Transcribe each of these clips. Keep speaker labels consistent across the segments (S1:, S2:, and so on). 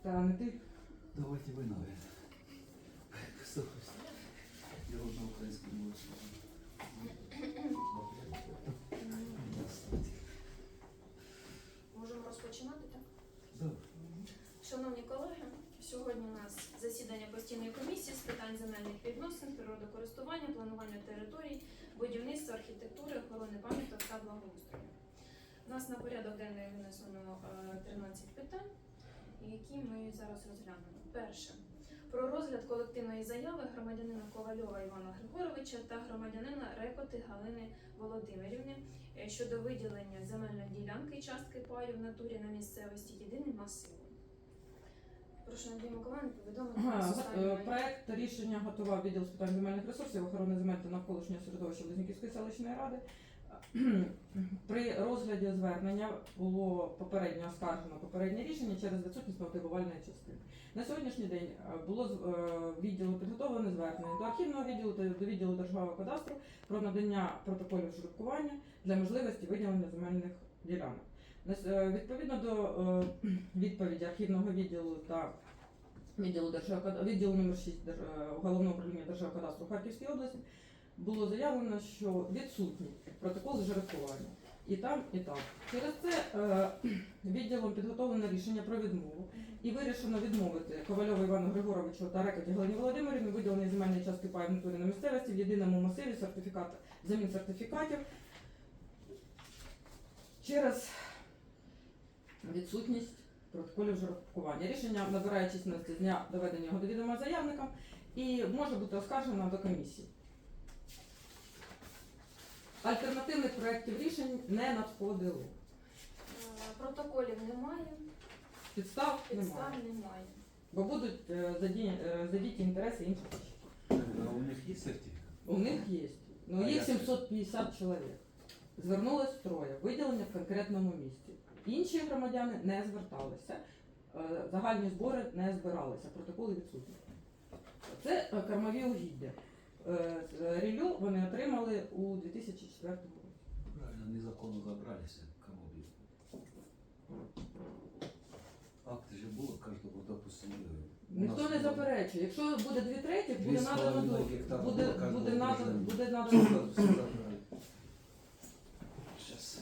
S1: Та не ти.
S2: Давайте вы, наверное. Я вот на украинском мове.
S3: Можемо розпочинати, так?
S2: Да.
S3: Шановні колеги, сьогодні у нас засідання постійної комісії з питань земельних відносин, природокористування, планування територій, будівництва, архітектури, охорони пам'яток та благоустрою. У нас на порядок денний винесено 13 питань, які ми зараз розглянемо. Перше. Про розгляд колективної заяви громадянина Ковальова Івана Григоровича та громадянина Рекоти Галини Володимирівни щодо виділення земельної ділянки частки паю в натурі на місцевості єдиним масивом. Прошу Надію Миколаївну повідомити.
S1: Проект рішення готував відділ з питань земельних ресурсів, охорони земель та навколишнього середовища Близнюківської селищної ради. При розгляді звернення було попередньо оскаржено попереднє рішення через відсутність мотивувальної частини. На сьогоднішній день було відділу підготовлене звернення до архівного відділу та до відділу Державного кадастру про надання протоколів жеребкування для можливості виділення земельних ділянок. Відповідно до відповіді архівного відділу та відділу номер 6 Головного управління Державного кадастру Харківської області було заявлено, що відсутні протоколи жеребкування і там, і там. Через це відділом підготовлено рішення про відмову і вирішено відмовити Ковальову Івану Григоровичу та Рекоті Галині Володимирівні виділення земельної частки паю в натурі на місцевості в єдиному масиві замін сертифікатів через відсутність протоколів жеребкування. Рішення набирає численності з дня доведення його до відома заявникам і може бути оскаржено до комісії. Альтернативних проєктів рішень не надходило.
S3: Протоколів немає,
S1: Підстав
S3: немає.
S1: Бо будуть задіті інтереси інших осіб.
S2: А у них есть сертификат?
S1: У них є. Ну,
S2: А
S1: їх
S2: як це?
S1: 750 чоловік. Звернулось троє, виділення в конкретному місці. Інші громадяни не зверталися, загальні збори не збиралися, протоколи відсутні. Це кормові угіддя. Ріллю вони отримали у 2004 році.
S2: Правильно, незаконно забрались, кому били. Акти же було кожного, допустим,
S1: Ніхто не заперечує. Якщо буде 2/3, буде
S2: 2,5
S1: надано дозвіл.
S2: гектара
S1: Буде
S2: кожного
S1: надано
S2: гражданина.
S1: дозвіл.
S2: Сейчас.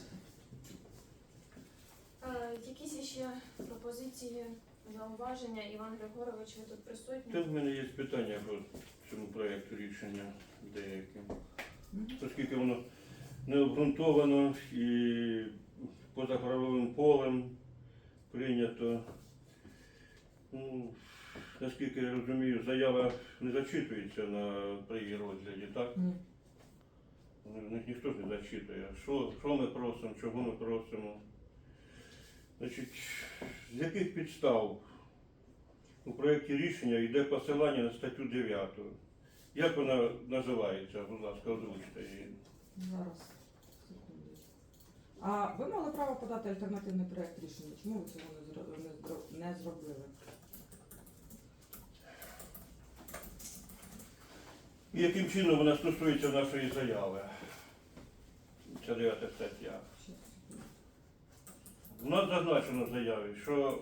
S3: Якісь ще пропозиції, зауваження? Іван Григорович, ви тут присутні?
S4: Тут в мене є питання по цьому проєкту рішення деяким. Оскільки воно не обґрунтовано і поза правовим полем прийнято. Ну, наскільки я розумію, заява не зачитується при її розгляді, так?
S1: Ні.
S4: Ніхто ж не зачитує. Що ми просимо, чого ми просимо? Значить, з яких підстав у проєкті рішення йде посилання на статтю 9? Як вона називається? Будь ласка, озвучте її.
S1: Зараз. Секунду. А ви мали право подати альтернативний проєкт рішення? Чому ви цього не зробили?
S4: І яким чином вона стосується нашої заяви? Це 9 стаття.
S1: Щас, секунду.
S4: У нас зазначено в заяві, що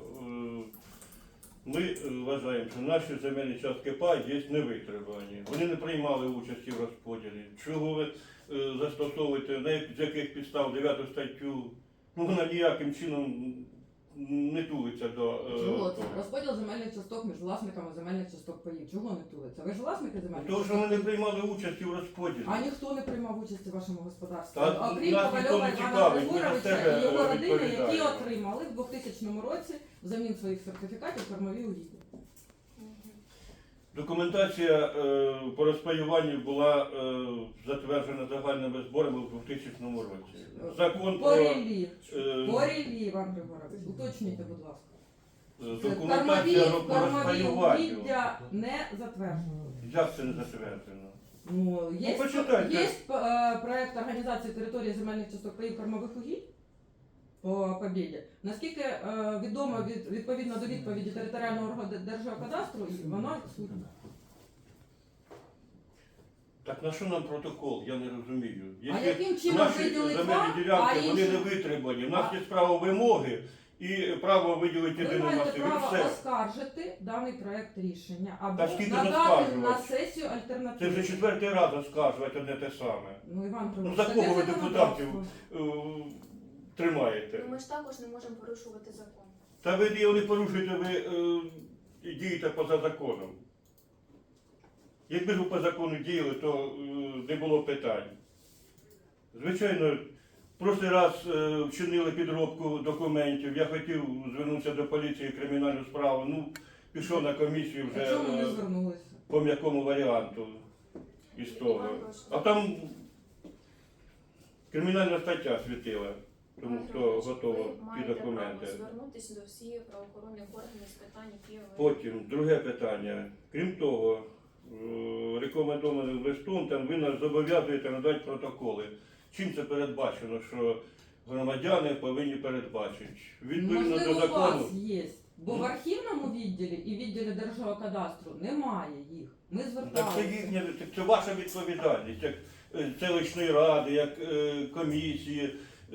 S4: ми вважаємо, що наші земельні частки пай є невитребувані. Вони не приймали участі в розподілі. Чого ви застосовуєте, з яких підстав 9 статтю? Ну, вона ніяким чином не тулиться до
S1: Чого це?
S4: того.
S1: Розподіл земельних часток між власниками земельних часток паїв. Чого не тулиться? Ви ж власники земельних
S4: Тому що
S1: часток?
S4: вони не приймали участі в розподілі.
S1: А ніхто не приймав участі в вашому господарстві.
S4: Та
S1: Окрім
S4: нас ніхто
S1: Ковальова
S4: не
S1: Івана
S4: цікавить, ми за
S1: Григоровича
S4: себе
S1: і його родини, які
S4: відповідаємо.
S1: отримали в 2000 році взамін своїх сертифікатів кормові угіддя.
S4: Документація по розпаюванню була затверджена загальними зборами в 2000 році. Закон
S1: По
S4: про
S1: ріллі.
S4: е,
S1: По ріллі, Іван Григорович. Уточніть, будь ласка.
S4: документація по
S1: Кормові
S4: розпаюванню.
S1: угіддя не затверджено.
S4: Як це не затверджено?
S1: Ну, є,
S4: почитайте.
S1: є проєкт організації території земельних часток паїв кормових угідь по Побєді. Наскільки відомо відповідно до відповіді територіального органу Держгеокадастру, воно відсутнє.
S4: Так на що нам протокол? Я не розумію.
S1: А яким чином
S4: наші
S1: виділить
S4: земельні
S1: вам, а
S4: ділянки, вони
S1: інші?
S4: не витребувані. У нас є справа вимоги, і право виділити
S1: Ви
S4: єдину
S1: маєте
S4: масиву. І
S1: право
S4: все.
S1: оскаржити даний проект рішення або
S4: Та скільки
S1: надати
S4: оскаржувати?
S1: на сесію
S4: Це
S1: альтернативу.
S4: вже 4-й раз оскаржувати одне те саме.
S1: Ну, Іван
S4: Ну,
S1: Григорович,
S4: за
S1: таке
S4: кого ви
S1: законодавство.
S4: депутатів тримаєте?
S3: Ну ми ж також не можемо порушувати закон.
S4: Та ви його не порушуєте, ви дієте поза законом. Якби ж ви по закону діяли, то не було питань. Звичайно, в прошлий раз вчинили підробку документів. Я хотів звернутися до поліції кримінальну справу. Ну, пішов на комісію
S1: А
S4: вже
S1: чому не звернулися?
S4: по м'якому варіанту із того.
S3: Іван Григорович,
S4: А там кримінальна стаття світила, тому
S3: Іван
S4: хто
S3: Григорович,
S4: готовий
S3: ви
S4: ті
S3: маєте
S4: документи.
S3: право звернутися до всіх правоохоронних органів з питань, які ви...
S4: Потім, друге питання. Крім того, рекомендованим листом там ви нас зобов'язуєте надати протоколи. Чим це передбачено, що громадяни повинні передбачити? Відповідно
S1: Можливо,
S4: до
S1: у
S4: закону.
S1: вас є. Бо в архівному відділі і відділі Держгеокадастру немає їх. Ми
S4: Так це
S1: зверталися.
S4: їхня, це ваша відповідальність, як селищної ради, як комісії.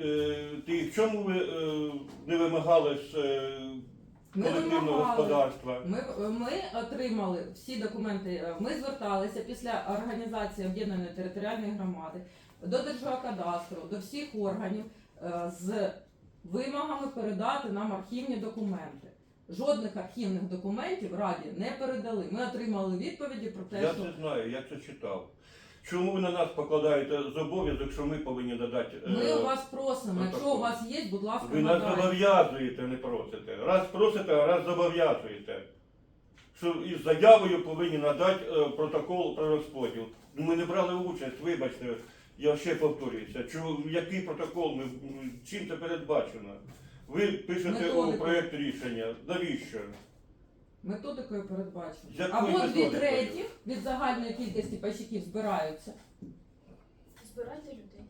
S4: В чому ви не вимагали з
S1: Ми
S4: колективного
S1: вимагали.
S4: господарства?
S1: Ми отримали всі документи. Ми зверталися після організації об'єднаної територіальної громади до Держгеокадастру, до всіх органів з вимогами передати нам архівні документи. Жодних архівних документів Раді не передали. Ми отримали відповіді про те,
S4: Я
S1: що
S4: це знаю, я це читав. Чому ви на нас покладаєте зобов'язок, що ми повинні надати?
S1: ми у вас просимо. Якщо
S4: протокол.
S1: у вас є, будь ласка,
S4: Ви нас
S1: надайте.
S4: зобов'язуєте, не просите. Раз просите, а раз зобов'язуєте. Що із заявою повинні надати протокол про розподіл. Ми не брали участь, вибачте, я ще повторююся. Який протокол, чим це передбачено? Ви пишете у
S1: Методику.
S4: проєкт рішення. Навіщо?
S1: Методикою передбачено.
S4: З якою
S1: Або 2
S4: методикою?
S1: третіх від загальної кількості пайщиків збираються.
S3: Збирайте людей.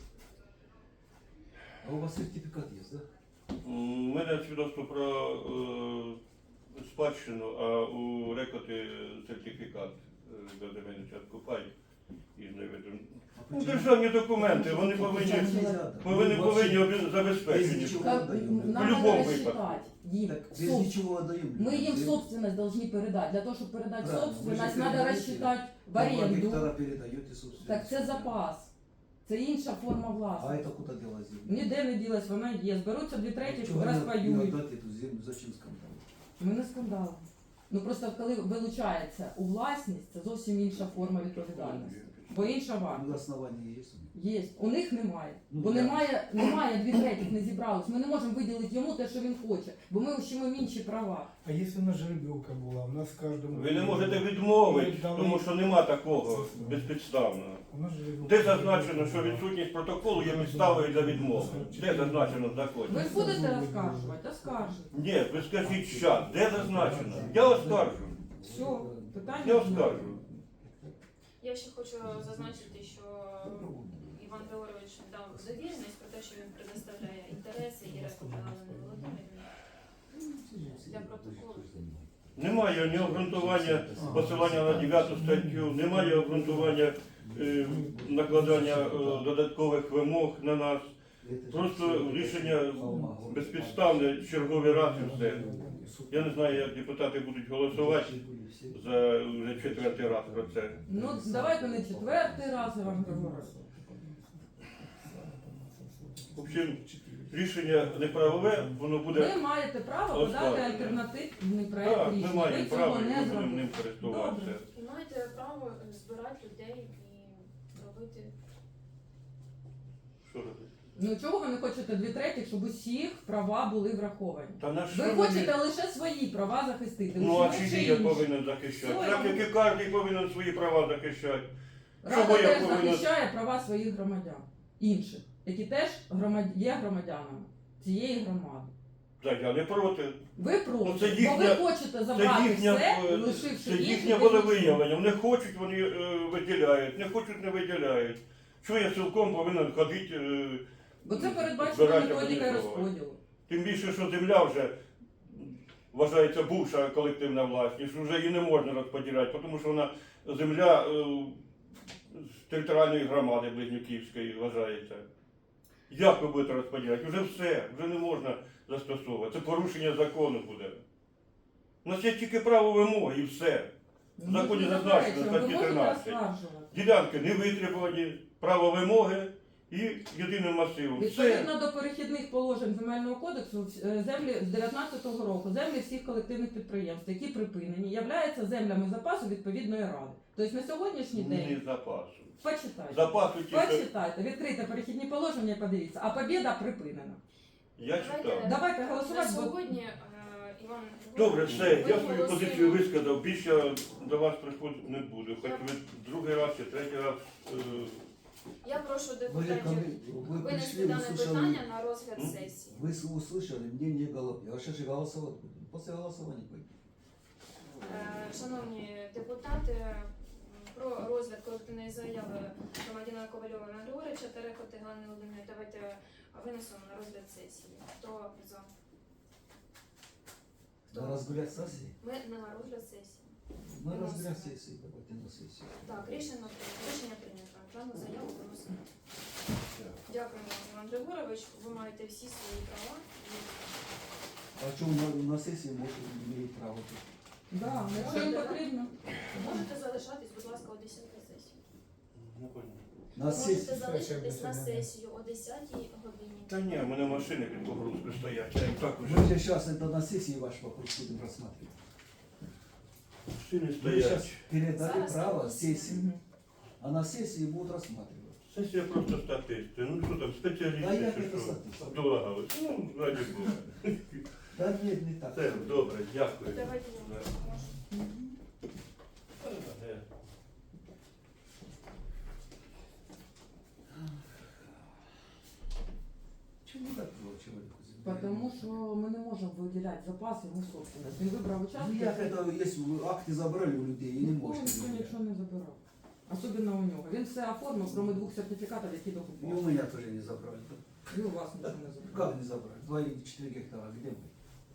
S2: А у вас сертификат есть, да?
S4: У мене свідоцтво про спадщину, а у рекоти сертифікат до земельного частку пай із невідомим. Ну, державні документи, вони повинні забезпечені.
S2: Без ничего
S1: Как-
S2: отдаем.
S4: В
S1: Нам
S4: любом
S1: надо
S4: выпадке.
S1: рассчитать им.
S2: Так, без
S1: Соб-
S2: ничего отдаем.
S1: Мы им собственность должны передать. Для того, чтобы передать
S2: Правильно,
S1: собственность,
S2: вы же
S1: надо
S2: передаете.
S1: рассчитать в
S2: 2
S1: аренду.
S2: гектара передаете собственность.
S1: Так це запас. Це інша форма
S2: А
S1: власності.
S2: это куда делась земля?
S1: Ніде не ділась, вона є. Зберуться 2 третіх,
S2: Чего не
S1: розпаюють.
S2: отдать эту землю? Зачем скандал?
S1: Ми не скандал. Ну просто коли вилучається у власність, це зовсім інша форма відповідальності. Бо інша
S2: Ну,
S1: варта.
S2: основания есть у них.
S1: Є. У них немає.
S2: Ну,
S1: Бо
S2: да.
S1: немає 2 третіх, не зібралось. Ми не можемо виділити йому те, що він хоче, бо ми ущимо інші права.
S5: А если у нас жеребьевка была, у нас в каждом...
S4: Ви не можете відмовити,
S5: Ми дали-
S4: тому що нема такого безпідставного.
S5: У нас жеребьевка...
S4: Де зазначено, що відсутність протоколу є підставою для відмови? Де зазначено в законі?
S1: Ви ж будете оскаржувати? Оскаржуйте.
S4: Ні, ви скажіть щас, де зазначено? Я оскаржу.
S1: Все, питання.
S4: Я
S1: немає.
S4: оскаржу.
S3: Я ще хочу зазначити, що Іван Григорович дав довіреність про те, що він предоставляє інтереси і Рекоти Галини Володимирівни для протоколу.
S4: Немає ні обґрунтування посилання на 9 статтю, немає обґрунтування накладання додаткових вимог на нас.
S2: Это
S4: Просто
S2: же
S4: рішення безпідставне, черговий раз і все. Я не знаю, як депутати будуть голосувати за вже 4-й раз про це.
S1: Ну, давайте не 4-й раз, Іван Григорович.
S4: В общем, рішення неправове, воно буде.
S1: Ви маєте право подати
S4: Оскарження.
S1: альтернативний проект
S4: Так, ми
S1: рішення.
S4: маємо
S1: Ви
S4: право
S1: цього
S4: і
S1: не
S4: ми будемо ним
S1: зробили.
S4: користуватися.
S1: Добре.
S3: І маєте право збирати людей і робити.
S4: Що робити?
S1: Ну чого ви не хочете 2 третіх, щоб усіх права були враховані?
S4: Та на що
S1: Ви
S4: мені-
S1: хочете лише свої права захистити.
S4: Ну
S1: усі
S4: а
S1: інші
S4: чиї я
S1: інші.
S4: повинен захищати?
S1: Все,
S4: Так
S1: я-
S4: як і кожен повинен свої права захищати.
S1: Рада
S4: Чого я
S1: теж
S4: повинен-
S1: захищає права своїх громадян, інших, які теж є громадянами цієї громади.
S4: Так, я не проти.
S1: Ви проти,
S4: Ну, це
S1: бо
S4: їхня-
S1: ви хочете забрати все,
S4: це
S1: лишивши
S4: їхнє
S1: інших без
S4: волевиявлення. Вони хочуть, вони виділяють, не хочуть, не виділяють. Що я цілком повинен ходити?
S1: Бо це передбачено
S4: збирати
S1: методика
S4: організовувати?
S1: розподілу.
S4: Тим більше, що земля вже вважається бувша колективна власність, вже її не можна розподіляти, тому що вона земля з територіальної громади Близнюківської вважається. Як ви будете розподіляти? Вже все, вже не можна застосовувати. Це порушення закону буде. У нас є тільки право вимоги і все. В законі
S1: Ми ж не
S4: зазначено,
S1: заперечуємо, ви
S4: статті
S1: можете
S4: 13.
S1: оскаржувати.
S4: Ділянки не витребувані, право вимоги і єдиним масивом. Все.
S1: Відповідно до перехідних положень Земельного кодексу, землі з 19-го року, землі всіх колективних підприємств, які припинені, являються землями запасу відповідної ради. Тобто на сьогоднішній
S4: Не
S1: день,
S4: запасу.
S1: почитайте,
S4: Запасу тільки.
S1: почитайте, відкрите перехідні положення і подивіться, а побіда припинена.
S4: Я читав.
S1: Давайте
S3: На
S1: голосувати, бо
S3: сьогодні, Іван
S4: Добре, все, я свою
S3: голосуємо.
S4: позицію висказав. Більше я до вас приходити не буду. Хоч ви другий раз чи третій раз.
S3: Я прошу
S2: Вы,
S3: депутатів
S2: вы
S3: винести
S2: пришли,
S3: дане
S2: услышали,
S3: питання на розгляд
S4: М?
S3: сесії.
S2: вы услышали мнение Голубя. А сейчас же голосовать будем. После голосования пойдем.
S3: Шановні депутати, про розгляд колективної заяви громадянина Ковальова Івана Григоровича та Рекоти Галини Володимирівни давайте винесемо на розгляд сесії. Хто за?
S2: На
S3: Хто?
S2: разгулять сессии?
S3: Ми на розгляд сесії.
S2: На
S3: Выносим.
S2: разгулять сессии, давайте на сессию.
S3: Так, рішення прийнято. Дану заяву виносимо. Дякуємо, Іван Григорович. Ви маєте всі свої права.
S2: А что на сессии может иметь право?
S1: да, якщо їм потрібно.
S3: Можете залишатись, будь ласка, о 10 сесії.
S4: Не понял.
S2: На
S3: Можете
S2: сессии.
S3: залишитись на сесію о 10 годині.
S4: Та ні, у мене машини під погрузкою стоять. Я їх так уже.
S2: Мы же сейчас это на сессии ваш вопрос будем рассматривать.
S4: Машини
S2: Вы
S4: стоять.
S2: сейчас передали
S3: Зараз
S2: право
S3: комиссия.
S2: сессии,
S1: Мгм.
S2: а на сессии будут рассматривать.
S4: Сесія просто статисти. Ну що там,
S2: А
S4: спеціалісти
S2: як
S4: чи
S2: це
S4: що?
S2: статисти?
S4: Обдолагали. Ну, раді Бога.
S2: Да нет, не так.
S4: Все, добре, дякую.
S3: Давайте я
S4: Да.
S3: можу.
S4: Е.
S2: Чему так было человеку? земля?
S1: Тому що ми не можемо виділяти запаси, ми собственність. Він вибрав
S2: Ну
S1: участок.
S2: як это, если вы акты забрали у людей и не
S1: Нікого
S2: можете.
S1: ніхто нічого не забирав. Особливо у нього. Він все оформив, крім 2 сертифікатів, які
S2: И
S1: докупав.
S2: у меня тоже не забрали.
S1: І у вас нічого не забрав.
S2: Как не забрали? 2,4 гектара, где мы?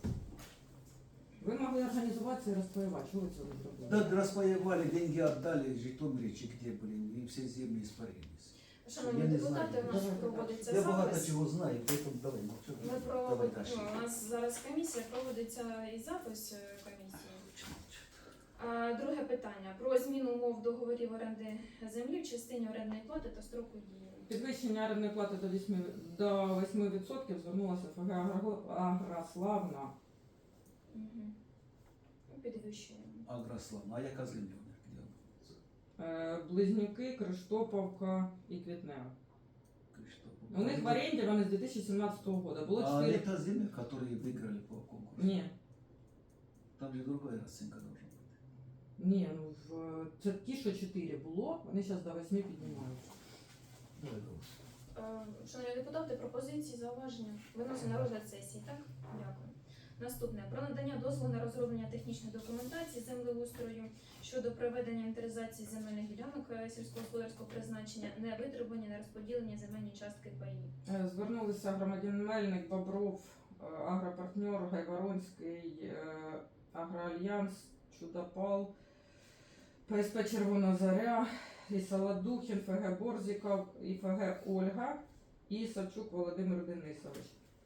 S1: Ви могли організуватися і розпаювати. Чого ви цього не зробили?
S2: Да, распаевали, деньги отдали, Житомиричи где, блин, и все земли испарились.
S3: Шановні
S2: Я не
S3: депутати,
S2: знаю.
S3: у нас
S1: Давайте
S3: проводиться
S2: Я багато
S3: запис.
S2: чого знаю, поэтому давай молчу.
S3: Ми
S2: Давай
S3: проводимо,
S2: дальше.
S3: у нас зараз комісія проводиться і запис комісії. Друге питання про зміну умов договорів оренди землі в частині орендної плати та строку дії.
S1: Підвищення орендної плати до 8% звернулася ФГ Агрославна.
S3: Угу. Підвищуємо.
S2: Агрославна, а яка земля у них? Где?
S1: Близнюки, Криштоповка і Квітнева.
S2: Криштоф.
S1: У них в оренді вони з 2017 року. Було
S2: А
S1: 4...
S2: это земля, которые выиграли по конкурсу?
S1: Ні,
S2: Там же другая расценка должна быть.
S1: ні, ну це ті, що 4 було, вони зараз до 8 піднімаються.
S2: Давай голос.
S3: Шановні депутати, пропозиції, зауваження виносимо на розгляд сесії, так? Дякую. Наступне. Про надання дозволу на розроблення технічної документації землеустрою щодо проведення інвентаризації земельних ділянок сільськогосподарського призначення, не витребувані, не розподілені земельні частки паї.
S1: Звернулися громадян Мельник, Бобров, Агропартнер, Гайворонський, Агроальянс, Чудопал, ПСП Червона Заря, і Солодухін, ФГ Борзіков, і ФГ Ольга, і Савчук Володимир Денисович.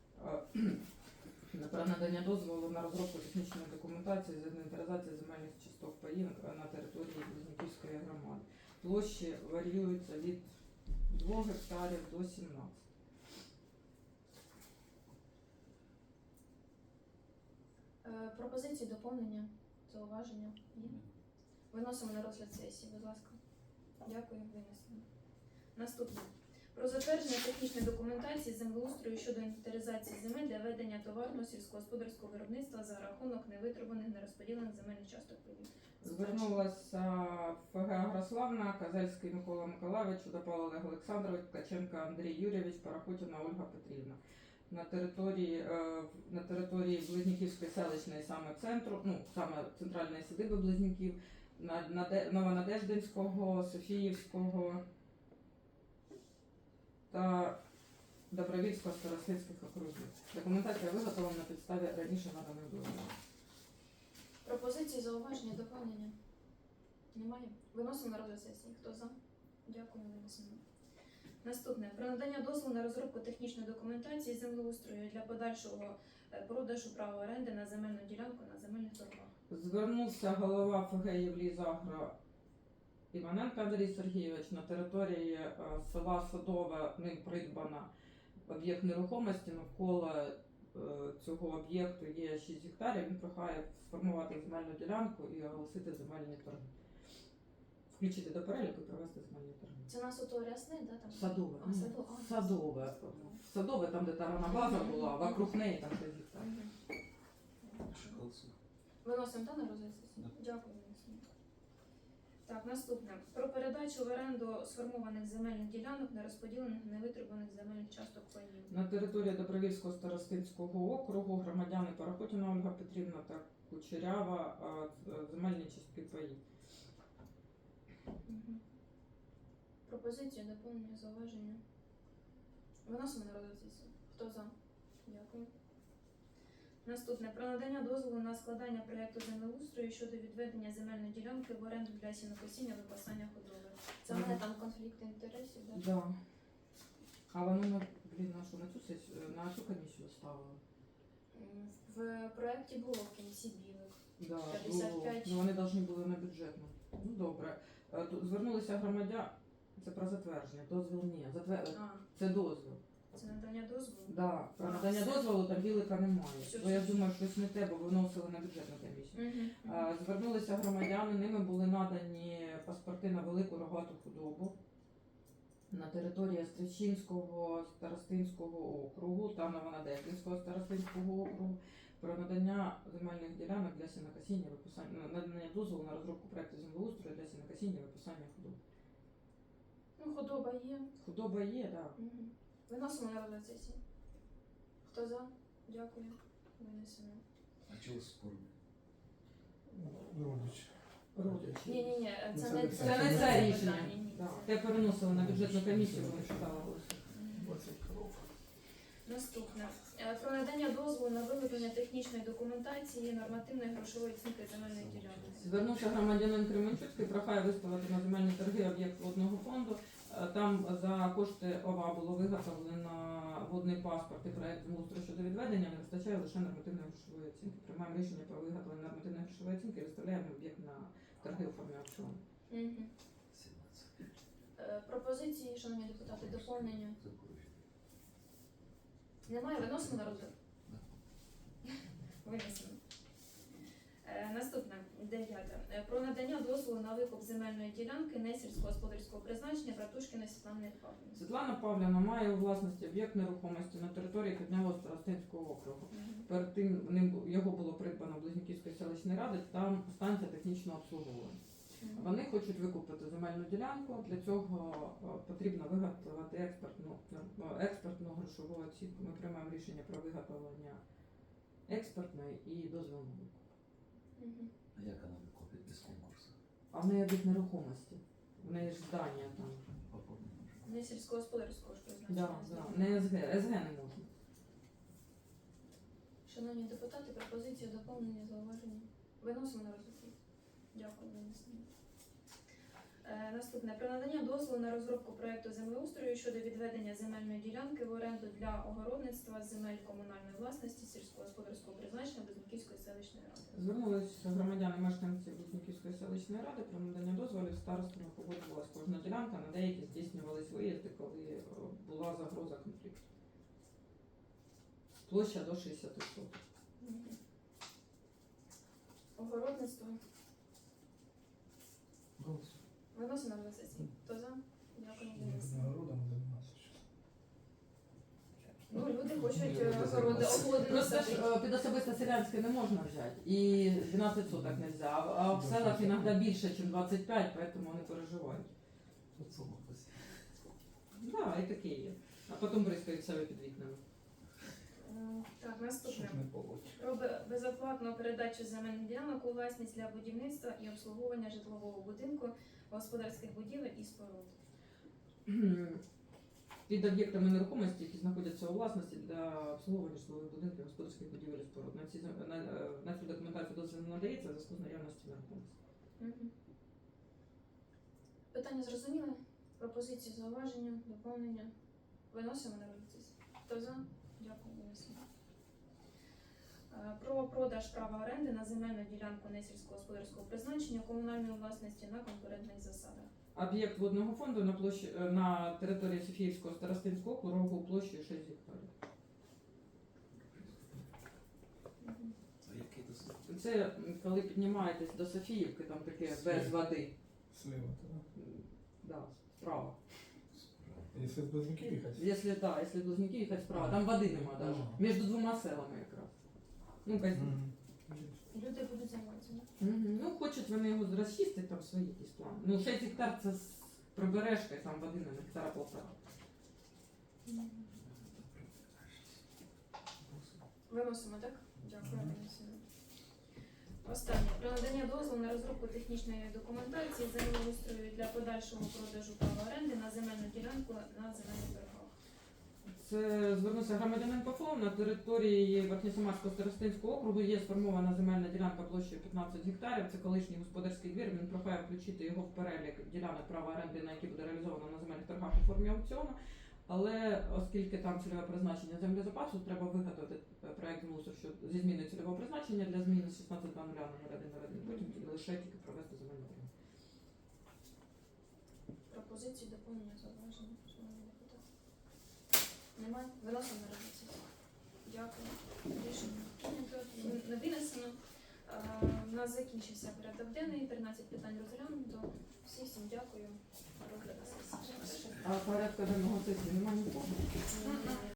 S1: Про надання дозволу на розробку технічної документації з інвентаризації земельних часток паїв на території Близнюківської громади. Площі варіюються від 2 гектарів до 17.
S3: Пропозиції, доповнення, зауваження є? Виносимо на розгляд сесії, будь ласка. Дякую, винесено. Наступне. Про затвердження технічної документації землеустрою щодо інвентаризації земель для ведення товарного сільськогосподарського виробництва за рахунок невитребуваних, нерозподілених земельних часток паїв.
S1: Звернулася ФГ Агрославна, Казельський Микола Миколаївич, Чудопал Олег Олександрович, Ткаченко Андрій Юрійович, Парахутіна Ольга Петрівна. На території Близнюківської селищної саме центру, ну саме центральної садиби Близнюків, Новонадеждинського, Софіївського та Добровільського старослідських округів. Документація виготовлена на підставі раніше наданих дозволів.
S3: Пропозиції, зауваження, доповнення? Немає? Виносимо на розгляд сесії. Хто за? Дякую, винесено. Наступне про надання дозволу на розробку технічної документації землеустрою для подальшого продажу права оренди на земельну ділянку на земельних торгах.
S1: Звернувся голова ФГ Євлізагро Іваненко Андрій Сергійович на території села Садове. Ним придбано об'єкт нерухомості. Навколо цього об'єкту є 6 гектарів. Він прохає сформувати земельну ділянку і оголосити земельні торги. Включити до переліку і провести земельні торги.
S3: Це у нас ото рясне, да? Там?
S1: Садове.
S3: А, Садове. А,
S1: Садове. Садове, там, де тарана база була, вокруг неї там 6 гектарів.
S3: Мгм.
S2: Шоколадцу.
S3: Виносимо та на розгляд сесії? Дякую, виносимо. Так, наступне. Про передачу в оренду сформованих земельних ділянок нерозподілених невитребуваних земельних часток паїв.
S1: На території Добровільського старостинського округу громадяни Парахутіна Ольга Петрівна та Кучерява земельні частки паїв.
S3: Мгм. Пропозиція, доповнення, зауваження. Виносимо на розгляд сесії. Хто за? Дякую. Наступне. Про надання дозволу на складання проєкту землеустрою щодо відведення земельної ділянки в оренду для сінокосіння випасання худоби. Це в мене там конфлікт інтересів, так?
S1: Да. А воно на на цю сесію, на цю комісію ставили.
S3: В проєкті було в кінці білик.
S1: Да,
S3: 55.
S1: ну, вони повинні були на бюджетну. Ну добре. Тут звернулися громадяни. Це про затвердження. Дозвіл ні.
S3: А,
S1: Це дозвіл.
S3: це надання дозволу?
S1: Да. Про
S3: А,
S1: надання
S3: все.
S1: дозволу там білика немає.
S3: Все,
S1: Бо я
S3: все,
S1: думаю, щось не те, бо виносили на бюджетну комісію.
S3: Мгм.
S1: Звернулися громадяни, ними були надані паспорти на велику рогату худобу на території Стрічинського старостинського округу та Новонадеївського старостинського округу про надання земельних ділянок для сінокосіння виписання, надання дозволу на розробку проекту землеустрою для сінокосіння виписання худоби.
S3: Ну, худоба є.
S1: Худоба є, так.
S3: Мгм. Виносимо на розгляд сесії. Хто за? Дякую. Винесено.
S2: А чего спорно?
S5: Родич.
S1: Родичі.
S3: Ні,
S5: Ну,
S3: це
S5: це
S3: не
S5: не
S3: це.
S1: Це не
S3: не
S1: це рішення.
S3: питання, ні,
S1: Да.
S3: це-
S1: Те переносили на бюджетну комісію, вони читали голоси.
S3: Мгм.
S5: 20 коров.
S3: Наступне. Про надання дозволу на виготовлення технічної документації нормативної грошової оцінки земельної ділянки.
S1: Звернувся громадянин Кременчуцький, прохає виставити на земельні торги об'єкт водного фонду. Там за кошти ОВА було виготовлено водний паспорт і проект землеустрою щодо відведення, не вистачає лише нормативної грошової оцінки. Приймаємо рішення про виготовлення нормативної грошової оцінки і виставляємо об'єкт на торги у формі аукціону.
S3: Мгм.
S2: 17.
S3: Пропозиції, шановні депутати, доповнення. Немає, виносимо на розгляд? Винесено. Наступне, 9. Про надання дозволу на викуп земельної ділянки несільськогосподарського призначення Братушкіна Світлани Павлівни.
S1: Світлана Павлівна має у власності об'єкт нерухомості на території Піднялого старостинського округу. Перед тим його було придбано Близнюківської селищної ради, там станція технічного обслуговування. Вони хочуть викупити земельну ділянку. Для цього потрібно виготовити експертну грошову оцінку. Ми приймаємо рішення про виготовлення експертної і дозвільної викупу.
S3: Мгм.
S2: А як вона викупить без конкурсу?
S1: А в неї об'єкт нерухомості. В неї ж здання там.
S2: Попробуй.
S3: Несільськогосподарського ж призначення.
S1: Не СГ. СГ не можна.
S3: Шановні депутати, пропозиція доповнення, зауваження. Виносимо на розгляд. Дякую, винесено. Наступне. Про надання дозволу на розробку проєкту землеустрою щодо відведення земельної ділянки в оренду для огородництва земель комунальної власності сільськогосподарського призначення Близнюківської селищної ради.
S1: Звернулися громадяни мешканці Близнюківської селищної ради про надання дозволів. Старостами погоджувалась кожна ділянка, на деякі здійснювались виїзди, коли була загроза конфлікту. Площа до 60 соток.
S3: Мгм. Огородництво.
S2: Голос.
S3: Виносимо на сесії. Хто за? Дякую, винесено.
S5: Народом заниматься сейчас.
S3: Ну, люди хочуть
S2: Люди
S3: огороди
S2: займаються.
S3: огороди
S1: Просто ж
S3: насадити.
S1: під особисте селянське не можна взяти. І 12 соток не взяв. А в селах іноді більше, ніж 25, тому вони переживають.
S2: Тут сумок посів.
S1: Да, і таке є. А потім бризкають себе під вікнами.
S3: Так, наступне.
S5: Чтоб не полоть.
S3: Про безоплатну передачу земельних ділянок у власність для будівництва і обслуговування житлового будинку, господарських будівель і споруд.
S1: Під об'єктами нерухомості, які знаходяться у власності для обслуговування житлових будинків, господарських будівель і споруд. На цю документацію дозвіл не надається в зв'язку з наявності нерухомості.
S3: Мгм. Питання зрозуміли? Пропозиції, зауваження, доповнення. Виносимо на розгляд сесії. Хто за? Дякую, винесемо. Про продаж права оренди на земельну ділянку несільськогосподарського призначення комунальної власності на конкурентних засадах.
S1: Об'єкт водного фонду на площі на території Софіївського старостинського округу площею 6 гектарів.
S2: А яке це?
S1: Це коли піднімаєтесь до Софіївки, там таке без води.
S5: Слева, да?
S1: Да, справа.
S5: Если с Близнюки ехать.
S1: Якщо да, якщо Близнюки їхати справа, там води нема навіть.
S5: Ага.
S1: Між двома селами якраз. Ну,
S5: Мгм.
S3: Люди будуть займатися.
S1: Ну, хочуть вони його розчистити, там свої якісь плани. Ну, 6 гектар це з прибережкою, там води на гектара полтора.
S3: Виносимо, так? Дякую, винесемо. Останнє. Про надання дозволу на розробку технічної документації землеустрою для подальшого продажу права оренди на земельну ділянку на земельних торгах.
S1: Це звернувся громадянин Павлов. На території Верхньосамарського старостинського округу є сформована земельна ділянка площею 15 гектарів. Це колишній господарський двір. Він прохає включити його в перелік ділянок права оренди, на які буде реалізовано на земельних торгах у формі аукціону. Але оскільки там цільове призначення землезапасу, треба виготовити проект землеустрою що зі зміною цільового призначення для зміни з 16.00 на 01.01, потім лише тільки провести земельну торгівлю.
S3: Пропозиції, доповнення, зауваження, шановні депутати. Немає? Виносимо на розгляд сесії. Дякую. Рішення прийнято. Не винесено. У нас закінчився порядок денний, 13 питань розглянуто. Всім дякую. Розгляд на сесії.
S1: А порядку денного сесії немає нікого?
S3: Мгм.